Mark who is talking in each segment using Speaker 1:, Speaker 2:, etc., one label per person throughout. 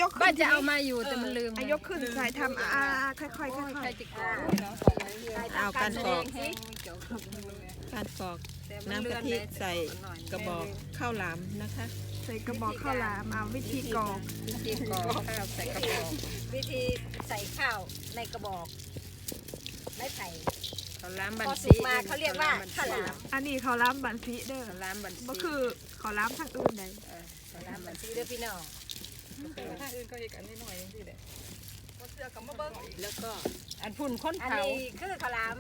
Speaker 1: ขึ้น
Speaker 2: บ้านจะเอามาอยู่แต่มันลืม
Speaker 1: ยกขึ้นใส่ทำค่อยๆค่อย
Speaker 2: ใครจะกรอก
Speaker 3: เอาการกรอกการกรอกน้ำกะทิใส่กระบอกข้าวหลามนะคะ
Speaker 1: ๆใส่กระบอกข้าวหลามเอาวิธีกรอก
Speaker 2: ที่กรอกข้าวใส่กระบอก
Speaker 4: วิธีใส่ข้าวในกระบอกไม้ไผ่
Speaker 2: ข้าวล้ามบั
Speaker 4: พ
Speaker 2: น
Speaker 4: อสุ
Speaker 2: ซี
Speaker 4: กมาเขาเรียกว่าข้าวหลาม
Speaker 1: อันนี้ข้าวหลามบันซีเด้อ
Speaker 2: ข้าวล้ามบันซี
Speaker 1: ก็คือข้าวหลามทางอื่นใด
Speaker 4: ข้าวหลามบันซีเด้อพี่น้อง
Speaker 2: ถ้าอื่นก็อีกอันนิดหน่อยนี่แหละ
Speaker 3: แล้วก็
Speaker 2: อันพุ่นค้น
Speaker 4: อัน
Speaker 2: เผา
Speaker 4: นี้คือข้าวหลาม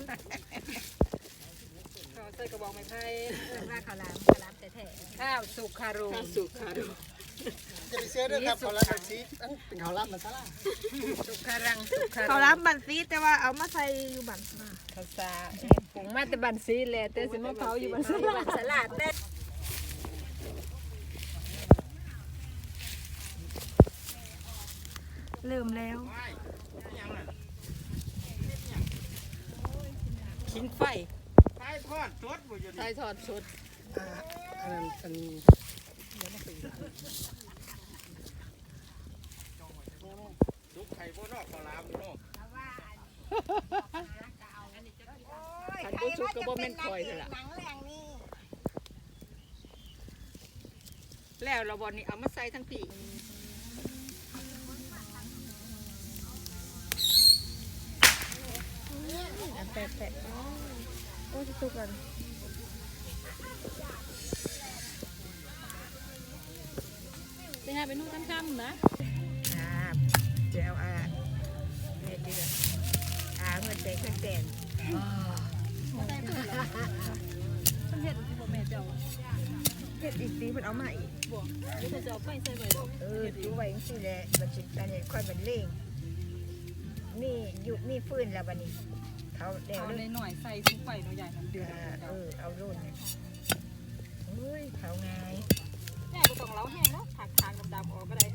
Speaker 2: ใส่กระบอกไม้ไผ่
Speaker 4: เรียกว่าข้าวหลามแท้
Speaker 2: ข้าวสุกคารู
Speaker 3: ข้าวสุกค่ะดู
Speaker 5: จะไปเชื่อด้วยครับเขารับแบบนี้เป็นเขารับมาซะละ
Speaker 2: สุกคารังสุกคา
Speaker 1: ข้าวหลามบันซีแต่ว่าเอามาใส่อยู่บัน
Speaker 2: ภาษาผงมาแต่บันซีแหละแต่สิมาเผาอยู่บัน
Speaker 4: ๆ
Speaker 2: ซี
Speaker 4: มีบันสลัดเด้อ
Speaker 1: เริ่มแล้ว
Speaker 3: ขิงไฟ
Speaker 5: ใช่ทอดสดบ่อยู่
Speaker 2: ใส่ทอดสด
Speaker 5: อันนั้นอันซุปไข่บ่นอกข้าวหลามเนาะ
Speaker 3: ขันบุสุกก็บ่แม่นคอยเลยล่ะ
Speaker 4: หนังแรงนี่
Speaker 3: แล้วเราบอลนี่เอามาใส่ทั้งปี
Speaker 1: แปะโอ้ยสุกกัน
Speaker 3: ไปหาไปนู่นค่ำๆนะ
Speaker 4: ครับเดี๋ยวเดือดเงินแดงเครื่องแดง
Speaker 1: เผ็ดอีกดีเพิ่นเอามาอีก
Speaker 4: ดูไว้จังซี่แหละมันสิอันนี้ค่อยมันเล่งมีฟืนแล้วบัดนี้เขาเดี๋ยว
Speaker 2: เอา
Speaker 4: เด้อ
Speaker 2: หน่อยใส่ถุงไฟหน่อยใหญ่มันเดือด
Speaker 4: เอารุ่นเนี่ยเฮ้ยเขาไง
Speaker 2: แม่ก็ต้องเล้าแห้งเนาะถากดำๆออกก็ได้